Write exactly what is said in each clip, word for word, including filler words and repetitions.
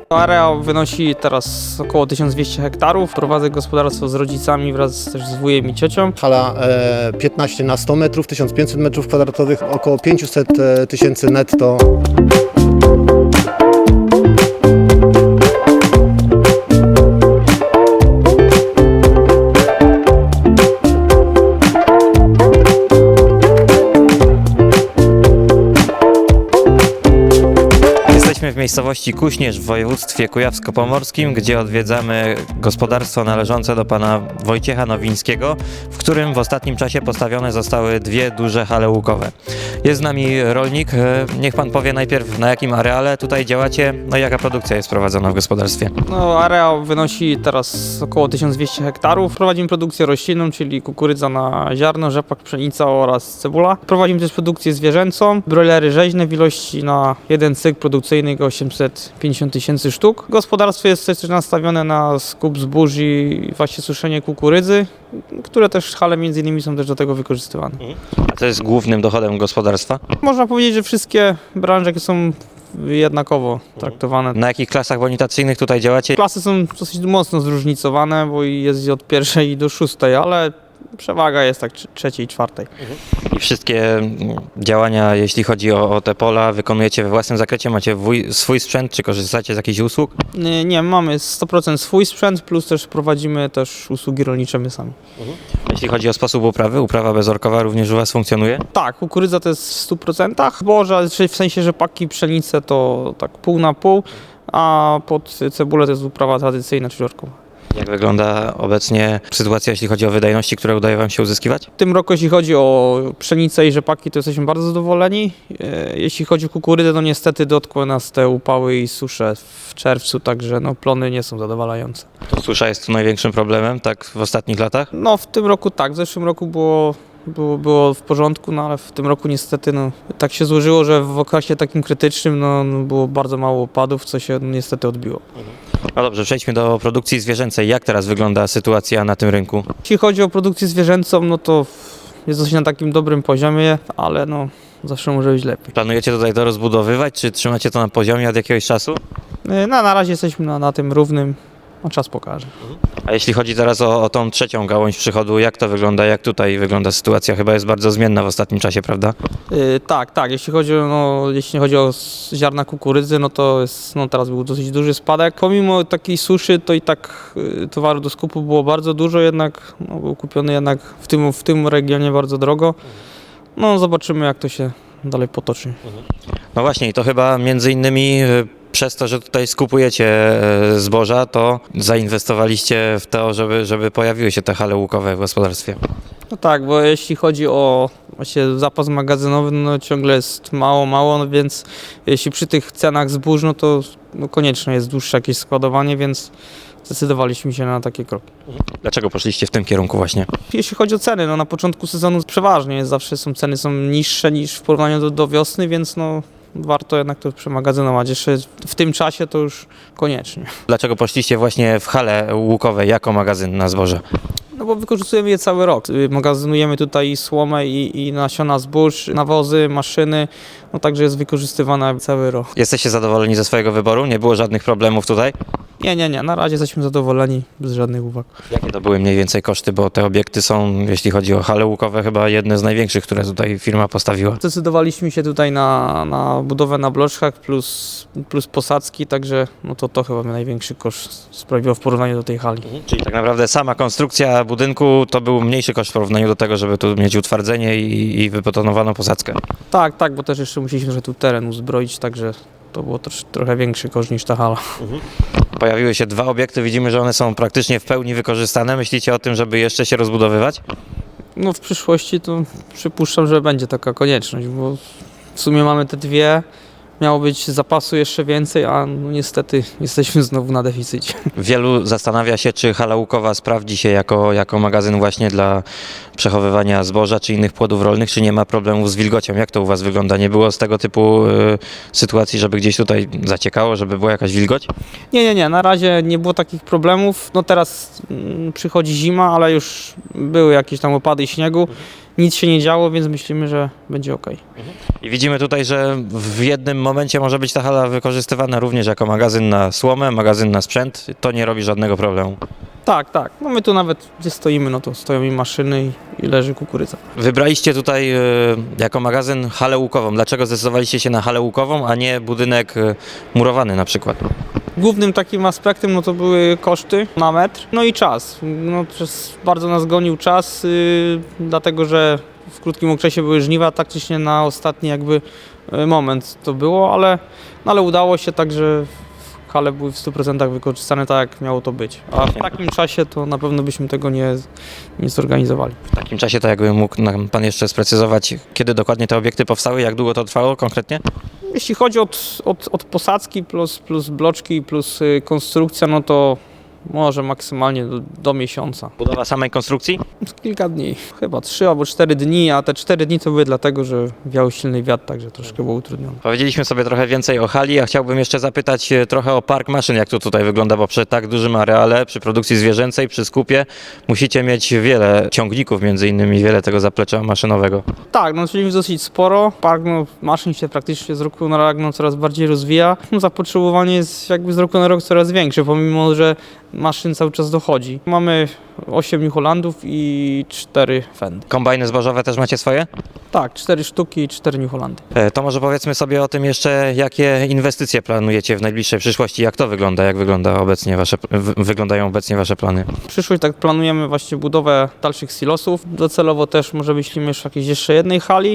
Areał wynosi teraz około tysiąc dwieście hektarów. Prowadzę gospodarstwo z rodzicami wraz też z wujem i ciocią. Hala e, piętnaście na sto metrów, tysiąc pięćset metrów kwadratowych, około pięćset tysięcy netto. Jesteśmy w miejscowości Kuśnierz w województwie kujawsko-pomorskim, gdzie odwiedzamy gospodarstwo należące do pana Wojciecha Nowińskiego, w którym w ostatnim czasie postawione zostały dwie duże hale łukowe. Jest z nami rolnik. Niech pan powie najpierw, na jakim areale tutaj działacie, no i jaka produkcja jest prowadzona w gospodarstwie. No, areał wynosi teraz około tysiąc dwieście hektarów. Prowadzimy produkcję roślinną, czyli kukurydza na ziarno, rzepak, pszenica oraz cebula. Prowadzimy też produkcję zwierzęcą, brojlery rzeźne w ilości na jeden cykl produkcyjny osiemset pięćdziesiąt tysięcy sztuk. Gospodarstwo jest też nastawione na skup zbóż i właśnie suszenie kukurydzy, które też hale między innymi są też do tego wykorzystywane. A co jest głównym dochodem gospodarstwa? Można powiedzieć, że wszystkie branże są jednakowo traktowane. Na jakich klasach bonitacyjnych tutaj działacie? Klasy są dosyć mocno zróżnicowane, bo jest od pierwszej do szóstej, ale przewaga jest tak trzeciej i czwartej. I wszystkie mm, działania, jeśli chodzi o, o te pola, wykonujecie we własnym zakresie? Macie wuj, swój sprzęt, czy korzystacie z jakichś usług? Nie, nie, mamy sto procent swój sprzęt, plus też prowadzimy też usługi rolnicze my sami. Jeśli chodzi o sposób uprawy, uprawa bezorkowa również u was funkcjonuje? Tak, kukurydza to jest w stu procentach, zboża, w sensie rzepaki, pszenice to tak pół na pół, a pod cebulę to jest uprawa tradycyjna, czyli orkowa. Jak wygląda obecnie sytuacja, jeśli chodzi o wydajności, które udaje wam się uzyskiwać? W tym roku, jeśli chodzi o pszenicę i rzepaki, to jesteśmy bardzo zadowoleni. E, Jeśli chodzi o kukurydzę, to niestety dotkły nas te upały i susze w czerwcu, także no, plony nie są zadowalające. Susza jest tu największym problemem, tak w ostatnich latach? No w tym roku tak, w zeszłym roku było, było, było w porządku, no ale w tym roku niestety no, tak się złożyło, że w okresie takim krytycznym no, no, było bardzo mało opadów, co się no, niestety odbiło. No dobrze, przejdźmy do produkcji zwierzęcej. Jak teraz wygląda sytuacja na tym rynku? Jeśli chodzi o produkcję zwierzęcą, no to jest dosyć na takim dobrym poziomie, ale no zawsze może być lepiej. Planujecie tutaj to rozbudowywać, czy trzymacie to na poziomie od jakiegoś czasu? No, na razie jesteśmy na, na tym równym, a czas pokaże. A jeśli chodzi teraz o, o tą trzecią gałąź przychodu, jak to wygląda, jak tutaj wygląda sytuacja? Chyba jest bardzo zmienna w ostatnim czasie, prawda? Yy, tak, tak, jeśli chodzi, o, no, jeśli chodzi o s- ziarna kukurydzy, no to jest, no, teraz był dosyć duży spadek. Pomimo takiej suszy, to i tak yy, towaru do skupu było bardzo dużo, jednak no, był kupiony jednak w tym, w tym regionie bardzo drogo. No zobaczymy, jak to się dalej potoczy. No właśnie, i to chyba między innymi y, przez to, że tutaj skupujecie y, zboża, to zainwestowaliście w to, żeby, żeby pojawiły się te hale łukowe w gospodarstwie. No tak, bo jeśli chodzi o właśnie zapas magazynowy, no ciągle jest mało, mało, no więc jeśli przy tych cenach zbóż, no to no konieczne jest dłuższe jakieś składowanie, więc zdecydowaliśmy się na takie kroki. Dlaczego poszliście w tym kierunku właśnie? Jeśli chodzi o ceny, no na początku sezonu przeważnie jest, zawsze są ceny są niższe niż w porównaniu do, do wiosny, więc no warto jednak to przemagazynować. Jeszcze w tym czasie to już koniecznie. Dlaczego poszliście właśnie w hale łukowe jako magazyn na zboże? No bo wykorzystujemy je cały rok. Y, Magazynujemy tutaj słomę i, i nasiona zbóż, nawozy, maszyny, no także jest wykorzystywana cały rok. Jesteście zadowoleni ze swojego wyboru? Nie było żadnych problemów tutaj? Nie, nie, nie, na razie jesteśmy zadowoleni, bez żadnych uwag. Jakie to były mniej więcej koszty, bo te obiekty są, jeśli chodzi o hale łukowe, chyba jedne z największych, które tutaj firma postawiła. Zdecydowaliśmy się tutaj na, na budowę na bloczkach plus, plus posadzki, także no to, to chyba największy koszt sprawiło w porównaniu do tej hali. Czyli tak naprawdę sama konstrukcja budynku to był mniejszy koszt w porównaniu do tego, żeby tu mieć utwardzenie i, i wybetonowaną posadzkę. Tak, tak, bo też jeszcze musieliśmy że tu teren uzbroić, także to było też trochę większy koszt niż ta hala. Pojawiły się dwa obiekty, widzimy, że one są praktycznie w pełni wykorzystane. Myślicie o tym, żeby jeszcze się rozbudowywać? No w przyszłości to przypuszczam, że będzie taka konieczność, bo w sumie mamy te dwie, miało być zapasu jeszcze więcej, a no niestety jesteśmy znowu na deficycie. Wielu zastanawia się, czy hala łukowa sprawdzi się jako, jako magazyn właśnie dla przechowywania zboża czy innych płodów rolnych, czy nie ma problemów z wilgocią. Jak to u was wygląda? Nie było z tego typu y, sytuacji, żeby gdzieś tutaj zaciekało, żeby była jakaś wilgoć? Nie, nie, nie, na razie nie było takich problemów. No teraz mm, przychodzi zima, ale już były jakieś tam opady śniegu. nic się nie działo, więc myślimy, że będzie ok. I widzimy tutaj, że w jednym momencie może być ta hala wykorzystywana również jako magazyn na słomę, magazyn na sprzęt. To nie robi żadnego problemu. Tak, tak. No my tu nawet gdzie stoimy, no to stoją i maszyny i, i leży kukurydza. Wybraliście tutaj y, jako magazyn halę łukową. Dlaczego zdecydowaliście się na halę łukową, a nie budynek y, murowany na przykład? Głównym takim aspektem no to były koszty na metr, no i czas. No, przez bardzo nas gonił czas, yy, dlatego że w krótkim okresie były żniwa, taktycznie na ostatni jakby yy, moment to było, ale, no, ale udało się, także hale były w stu procentach wykorzystane tak, jak miało to być. A w takim czasie to na pewno byśmy tego nie, nie zorganizowali. W takim czasie to jakby mógł nam Pan jeszcze sprecyzować, kiedy dokładnie te obiekty powstały, jak długo to trwało konkretnie? Jeśli chodzi od, od, od posadzki plus, plus bloczki plus y, konstrukcja, no to może maksymalnie do, do miesiąca. Budowa samej konstrukcji? Kilka dni, chyba trzy albo cztery dni, a te cztery dni to były dlatego, że wiał silny wiatr, także troszkę było utrudnione. Powiedzieliśmy sobie trochę więcej o hali, a chciałbym jeszcze zapytać e, trochę o park maszyn, jak to tutaj wygląda, bo przy tak dużym areale, przy produkcji zwierzęcej, przy skupie musicie mieć wiele ciągników, między innymi wiele tego zaplecza maszynowego. Tak, no czyli dosyć sporo. Park no, maszyn się praktycznie z roku na rok no, coraz bardziej rozwija. No, zapotrzebowanie jest jakby z roku na rok coraz większe, pomimo że maszyn cały czas dochodzi. Mamy osiem New Hollandów i cztery Fendy. Kombajny zbożowe też macie swoje? Tak, cztery sztuki i cztery New Hollandy. E, To może powiedzmy sobie o tym jeszcze, jakie inwestycje planujecie w najbliższej przyszłości, jak to wygląda, jak wygląda obecnie wasze, w- wyglądają obecnie wasze plany? W przyszłość tak planujemy właśnie budowę dalszych silosów. Docelowo też może myślimy już o jakiejś jeszcze jednej hali.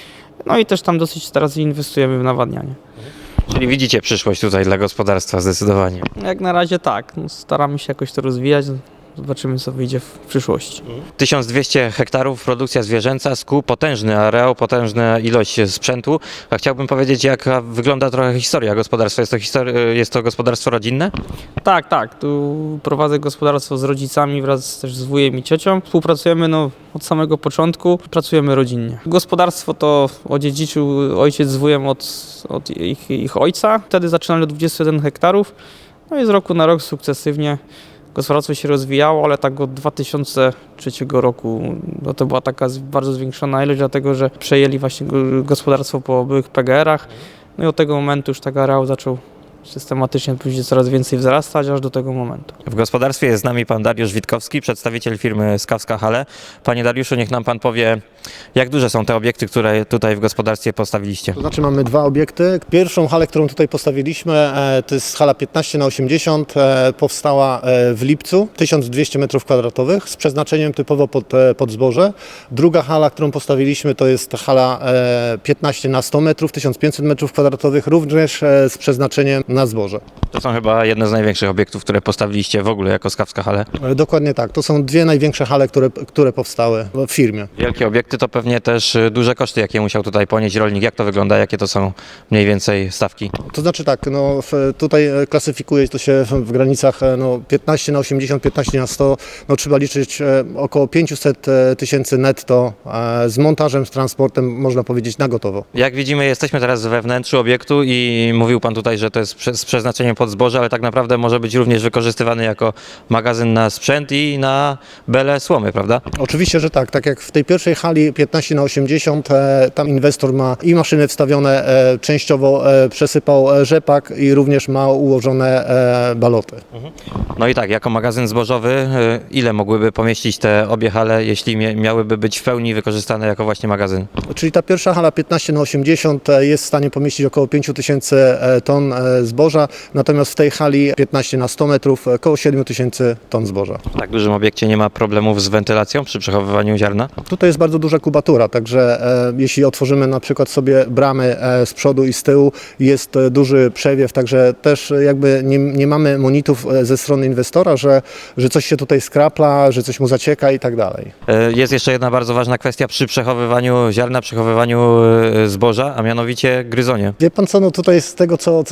No i też tam dosyć teraz inwestujemy w nawadnianie. Czyli widzicie przyszłość tutaj dla gospodarstwa zdecydowanie. Jak na razie tak, no, staramy się jakoś to rozwijać. Zobaczymy co wyjdzie w przyszłości. tysiąc dwieście hektarów, produkcja zwierzęca, skup, potężny areał, potężna ilość sprzętu. A chciałbym powiedzieć, jak wygląda trochę historia gospodarstwa. Jest to, histori- jest to gospodarstwo rodzinne? Tak, tak. Tu prowadzę gospodarstwo z rodzicami wraz też z wujem i ciocią. Współpracujemy no, od samego początku, pracujemy rodzinnie. Gospodarstwo to odziedziczył ojciec z wujem od, od ich, ich ojca. Wtedy zaczynali od dwudziestu jeden hektarów. No i z roku na rok sukcesywnie gospodarstwo się rozwijało, ale tak od dwa tysiące trzeciego roku no to była taka z- bardzo zwiększona ilość, dlatego że przejęli właśnie go- gospodarstwo po byłych P G R-ach. No i od tego momentu już tak areał zaczął systematycznie później coraz więcej wzrastać, aż do tego momentu. W gospodarstwie jest z nami pan Dariusz Witkowski, przedstawiciel firmy Skawska Hale. Panie Dariuszu, niech nam pan powie, jak duże są te obiekty, które tutaj w gospodarstwie postawiliście? To znaczy mamy dwa obiekty. Pierwszą halę, którą tutaj postawiliśmy, e, to jest hala piętnaście na osiemdziesiąt, e, powstała e, w lipcu, tysiąc dwieście metrów kwadratowych z przeznaczeniem typowo pod, e, pod zboże. Druga hala, którą postawiliśmy, to jest hala e, piętnaście na sto metrów, tysiąc pięćset metrów kwadratowych, również e, z przeznaczeniem na zboże. To są chyba jedne z największych obiektów, które postawiliście w ogóle jako Skawska Hale. E, Dokładnie tak. To są dwie największe hale, które, które powstały w firmie. Wielkie obiekty to pewnie też y, duże koszty, jakie musiał tutaj ponieść rolnik. Jak to wygląda? Jakie to są mniej więcej stawki? To znaczy tak, no, w, tutaj e, klasyfikuje to się w, w granicach e, no, piętnaście na osiemdziesiąt, piętnaście na sto. No, trzeba liczyć e, około pięćset e, tysięcy netto e, z montażem, z transportem, można powiedzieć na gotowo. Jak widzimy, jesteśmy teraz we wnętrzu obiektu i mówił pan tutaj, że to jest prze- z przeznaczeniem pod zboże, ale tak naprawdę może być również wykorzystywany jako magazyn na sprzęt i na belę słomy, prawda? Oczywiście, że tak. Tak jak w tej pierwszej hali piętnaście na osiemdziesiąt, e, tam inwestor ma i maszyny wstawione, e, częściowo e, przesypał e, rzepak i również ma ułożone e, baloty. No i tak, jako magazyn zbożowy, y, ile mogłyby pomieścić te obie hale, jeśli mie- miałyby być w pełni wykorzystane jako właśnie magazyn? Czyli ta pierwsza hala piętnaście na osiemdziesiąt e, jest w stanie pomieścić około pięć tysięcy e, ton e, zboża, natomiast w tej hali piętnaście na sto metrów e, około siedem tysięcy ton zboża. W tak dużym obiekcie nie ma problemów z wentylacją przy przechowywaniu ziarna? Tutaj jest bardzo duża kubatura, także e, jeśli otworzymy na przykład sobie bramy e, z przodu i z tyłu, jest e, duży przewiew, także też e, jakby nie, nie mamy monitów e, ze strony inwestora, że, że coś się tutaj skrapla, że coś mu zacieka i tak dalej. E, Jest jeszcze jedna bardzo ważna kwestia przy przechowywaniu ziarna, przechowywaniu e, zboża, a mianowicie gryzonie. Wie pan co, no tutaj z tego co, co żeśmy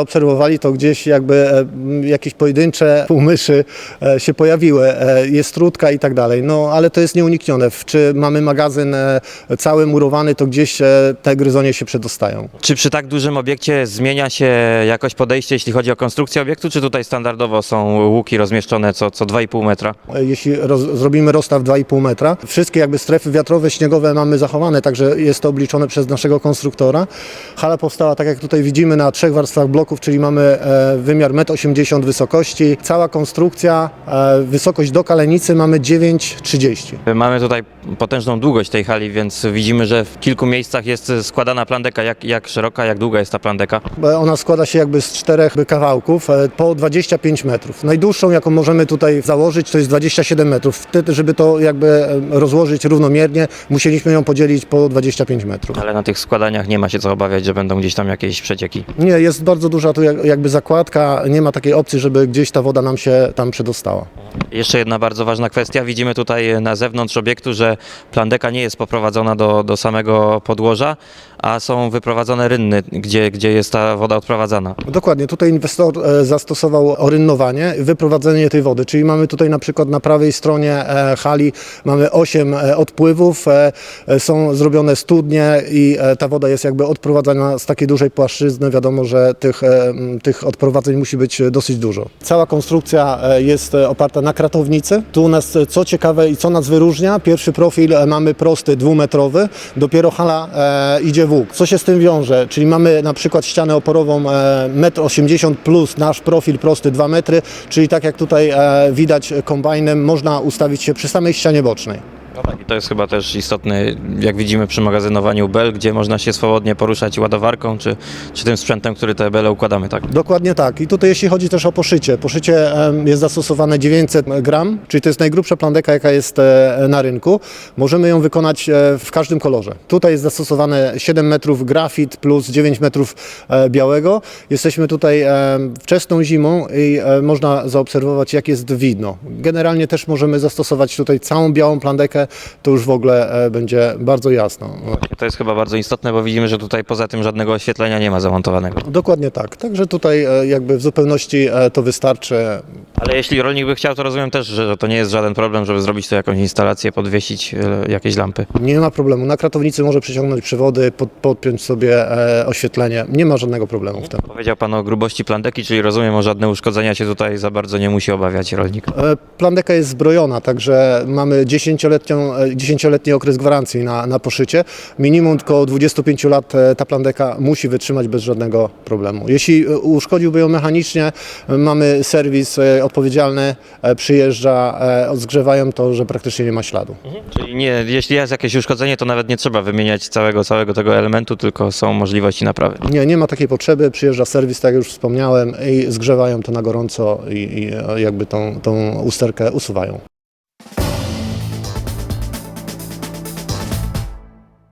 zaobserwowali, to gdzieś jakby e, m, jakieś pojedyncze półmyszy e, się pojawiły, e, jest trudka i tak dalej, no ale to jest nieuniknione. W- Czy mamy magazyn e, cały murowany, to gdzieś e, te gryzonie się przedostają. Czy przy tak dużym obiekcie zmienia się jakoś podejście, jeśli chodzi o konstrukcję obiektu, czy tutaj standardowo są łuki rozmieszczone co, co dwa i pół metra? E, Jeśli roz, zrobimy rozstaw dwa i pół metra, wszystkie jakby strefy wiatrowe, śniegowe mamy zachowane, także jest to obliczone przez naszego konstruktora. Hala powstała, tak jak tutaj widzimy, na trzech warstwach bloków, czyli mamy e, wymiar metr osiemdziesiąt wysoko,ści. Cała konstrukcja, e, wysokość do kalenicy mamy dziewięć trzydzieści. Mamy tutaj potężną długość tej hali, więc widzimy, że w kilku miejscach jest składana plandeka. Jak, jak szeroka, jak długa jest ta plandeka? E, Ona składa się jakby z czterech kawałków e, po dwadzieścia pięć metrów. Najdłuższą, jaką możemy tutaj założyć, to jest dwadzieścia siedem metrów. Wtedy, żeby to jakby e, rozłożyć równomiernie, musieliśmy ją podzielić po dwadzieścia pięć metrów. Ale na tych składaniach nie ma się co obawiać, że będą gdzieś tam jakieś przecieki. Nie, jest bardzo duża tu jak- jakby zakładka, nie ma takiej opcji, żeby gdzieś ta woda nam się tam przedostała. Jeszcze jedna bardzo ważna kwestia. Widzimy tutaj na zewnątrz obiektu, że plandeka nie jest poprowadzona do, do samego podłoża, a są wyprowadzone rynny, gdzie, gdzie jest ta woda odprowadzana. Dokładnie, tutaj inwestor e, zastosował orynnowanie, wyprowadzenie tej wody, czyli mamy tutaj na przykład na prawej stronie e, hali mamy osiem e, odpływów, e, e, są zrobione studnie i e, ta woda jest jakby odprowadzana z takiej dużej płaszczyzny. Wiadomo, że tych, e, m, tych odprowadzeń musi być dosyć dużo. Cała konstrukcja e, jest e, oparta na kratownicy. Tu u nas, e, co ciekawe i co nas wyróżnia, pierwszy profil e, mamy prosty, dwumetrowy, dopiero hala e, idzie w łuk. Co się z tym wiąże? Czyli mamy na przykład ścianę oporową e, metr osiemdziesiąt plus nasz profil prosty dwa metry, czyli tak jak tutaj e, widać kombajnem, można ustawić się przy samej ścianie bocznej. No tak, i to jest chyba też istotne, jak widzimy przy magazynowaniu bel, gdzie można się swobodnie poruszać ładowarką, czy, czy tym sprzętem, który te bele układamy, tak? Dokładnie tak. I tutaj jeśli chodzi też o poszycie. Poszycie em, jest zastosowane dziewięćset gram, czyli to jest najgrubsza plandeka, jaka jest e, na rynku. Możemy ją wykonać e, w każdym kolorze. Tutaj jest zastosowane siedem metrów grafit plus dziewięć metrów e, białego. Jesteśmy tutaj e, wczesną zimą i e, można zaobserwować, jak jest widno. Generalnie też możemy zastosować tutaj całą białą plandekę, to już w ogóle e, będzie bardzo jasno. To jest chyba bardzo istotne, bo widzimy, że tutaj poza tym żadnego oświetlenia nie ma zamontowanego. Dokładnie tak. Także tutaj e, jakby w zupełności e, to wystarczy. Ale jeśli rolnik by chciał, to rozumiem też, że to nie jest żaden problem, żeby zrobić tu jakąś instalację, podwiesić e, jakieś lampy. Nie ma problemu. Na kratownicy może przyciągnąć przewody, pod, podpiąć sobie e, oświetlenie. Nie ma żadnego problemu w tym. Powiedział Pan o grubości plandeki, czyli rozumiem, o żadne uszkodzenia się tutaj za bardzo nie musi obawiać rolnik. E, Plandeka jest zbrojona, także mamy dziesięcioletnią, e, dziesięcioletni okres gwarancji na, na poszycie. Minimum około dwudziestu pięciu lat e, ta plandeka musi wytrzymać bez żadnego problemu. Jeśli e, uszkodziłby ją mechanicznie, e, mamy serwis e, odpowiedzialny, e, przyjeżdża, e, odgrzewają to, że praktycznie nie ma śladu. Czyli nie, jeśli jest jakieś uszkodzenie, to nawet nie trzeba wymieniać całego, całego tego elementu, tylko są możliwości naprawy. Nie, nie ma takiej potrzeby, przyjeżdża serwis, tak jak już wspomniałem, i zgrzewają to na gorąco i, i e, jakby tą, tą usterkę usuwają.